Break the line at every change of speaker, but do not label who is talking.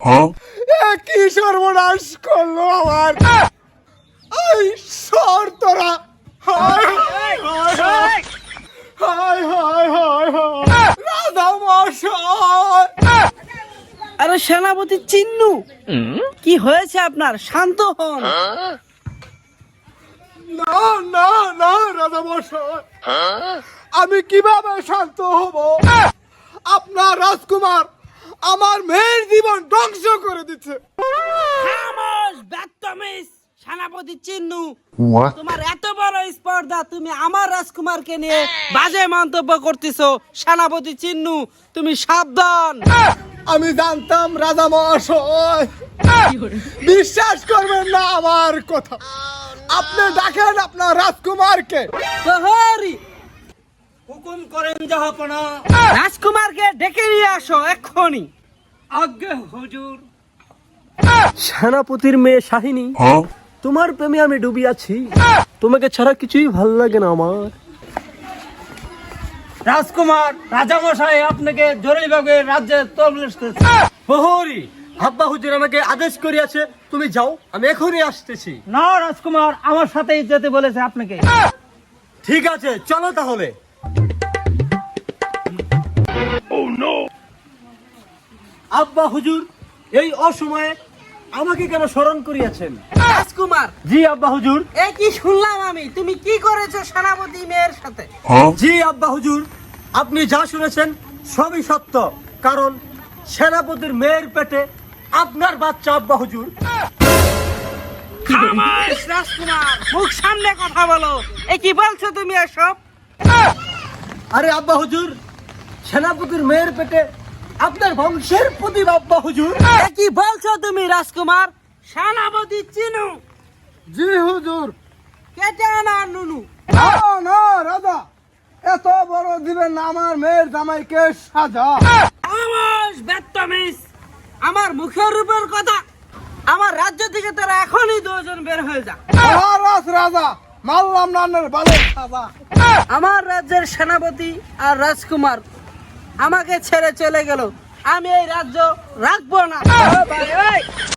কি সর্বনাশ করলো আমার এই সর তোরা হায় হায় হায় হায় হায় হায় রাধা মশাই।
আরে সেনাপতি চিন্নু, কি হয়েছে আপনার? শান্ত হন।
না না না রাধা মশাই, আমি কিভাবে শান্ত হব? আপনার রাজকুমার আমার মেয়ের জীবন ধ্বংস করে দিচ্ছে।
খামোশ, বদতমিজ সেনাপতি চিন্নু। তোমার এত বড় স্পর্ধা, তুমি আমার রাজকুমারকে নিয়ে বাজে মন্তব্য করতেছো। সেনাপতি চিন্নু, তুমি সাবধান।
আমি জানতাম রাজা মহাশয়, বিশ্বাস করবেন না আমার কথা। আপনি ডাকেন আপনার রাজকুমারকে।
প্রহরী,
হুকুম করেন জাহাপনা।
রাজকুমারকে ডেকে নিয়ে আসো এক্ষুনি।
আজ্ঞে হুজুর।
সেনাপতির মেয়ে শাহিনী, তোমার প্রেমে আমি ডুবি আছি। তোমাকে ছাড়া কিছুই ভাল লাগে না আমার।
রাজকুমার, রাজামশাই আপনাকে জরুরিভাবে রাজ্যে তলব করছে।
প্রহরী, আব্বা হুজুর আমাকে আদেশ করিয়াছে, তুমি যাও, আমি এখনই আসতেছি।
না রাজকুমার, আমার সাথেই যেতে বলেছে আপনাকে।
ঠিক আছে, চলো তাহলে। আব্বা হুজুর, এই অসময়ে আমাকে কেন স্মরণ করিয়াছেন?
রাজকুমার,
জি আব্বা হুজুর।
এ কি শুনলাম আমি? তুমি কি করেছো সেনাপতি মেয়ের সাথে?
জি আব্বা হুজুর, আপনি যা শুনেছেন সবই সত্য। কারণ সেনাপতির মেয়ের পেটে আপনার বাচ্চা আব্বা হুজুর।
খামোশ রাজকুমার, মুখ সামনে কথা বলো। এ কি বলছো তুমি এসব?
আরে আব্বা হুজুর, সেনাপতির মেয়ের পেটে আপনার বংশের প্রদীপ আব্বা হুজুর।
এ কি বলছো তুমি রাজকুমার? সেনাপতি চিনু
জি হুজুর।
কেটে আনা নুনু।
না না রাজা, এত বড় দিবেন না আমার মেয়ের জামাইকে সাজা।
খামোশ, বদতমিজ। আমার মুখের উপর কথা। আমার রাজ্য থেকে তারা এখনই দুজন বের হয়ে যা।
মহারাজ রাজা, মারলাম নানের বালের সাজা।
আমার রাজ্যের সেনাপতি আর রাজকুমার আমাকে ছেড়ে চলে গেল। আমি এই রাজ্য রাখবো না।